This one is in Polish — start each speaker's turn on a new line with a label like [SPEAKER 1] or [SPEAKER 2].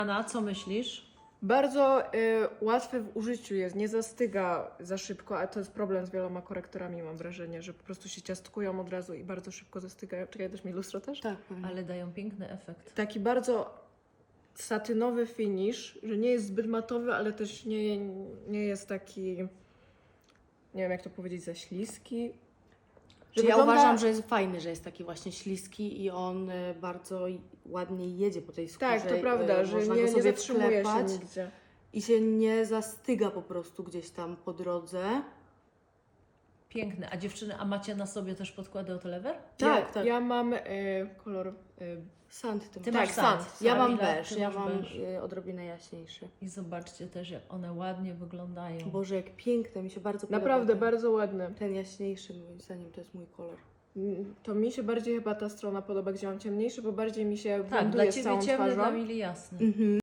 [SPEAKER 1] Anna, co myślisz?
[SPEAKER 2] Bardzo łatwy w użyciu jest, nie zastyga za szybko, a to jest problem z wieloma korektorami, mam wrażenie, że po prostu się ciastkują od razu i bardzo szybko zastygają. Czekaj, dasz mi lustro też?
[SPEAKER 3] Tak, pewnie.
[SPEAKER 1] Ale dają piękny efekt.
[SPEAKER 2] Taki bardzo satynowy finish, że nie jest zbyt matowy, ale też nie jest taki, nie wiem jak to powiedzieć, za śliski.
[SPEAKER 3] Że ja
[SPEAKER 2] wygląda-
[SPEAKER 3] uważam, że jest fajny, że jest taki właśnie śliski i on bardzo ładnie jedzie po tej skórze.
[SPEAKER 2] Tak, to prawda, że
[SPEAKER 3] można go
[SPEAKER 2] nie
[SPEAKER 3] sobie
[SPEAKER 2] zatrzymuje się
[SPEAKER 3] wklepać
[SPEAKER 2] nigdzie.
[SPEAKER 3] i się nie zastyga po prostu gdzieś tam po drodze.
[SPEAKER 1] Piękny. A dziewczyny, a macie na sobie też podkłady od lever?
[SPEAKER 3] Tak, tak.
[SPEAKER 2] Ja mam kolor
[SPEAKER 3] Sand tym.
[SPEAKER 1] Ty
[SPEAKER 2] Tak,
[SPEAKER 1] masz
[SPEAKER 2] sand.
[SPEAKER 1] sand.
[SPEAKER 3] Ja mam
[SPEAKER 1] Kamila,
[SPEAKER 3] beż,
[SPEAKER 1] ty
[SPEAKER 3] ja
[SPEAKER 1] masz
[SPEAKER 3] mam
[SPEAKER 1] beż.
[SPEAKER 3] odrobinę jaśniejszy.
[SPEAKER 1] I zobaczcie też, jak one ładnie wyglądają.
[SPEAKER 3] Boże, jak piękne, mi się bardzo podoba.
[SPEAKER 2] naprawdę
[SPEAKER 3] ten,
[SPEAKER 2] bardzo ładny.
[SPEAKER 3] ten jaśniejszy, moim zdaniem, to jest mój kolor.
[SPEAKER 2] To mi się bardziej chyba ta strona podoba, gdzie mam ciemniejszy, bo bardziej mi się
[SPEAKER 1] Tak,
[SPEAKER 2] blenduje
[SPEAKER 1] dla
[SPEAKER 2] z
[SPEAKER 1] Ciebie
[SPEAKER 2] całą
[SPEAKER 1] ciemny,
[SPEAKER 2] twarzą.
[SPEAKER 1] dla Mili jasny.
[SPEAKER 3] Mhm.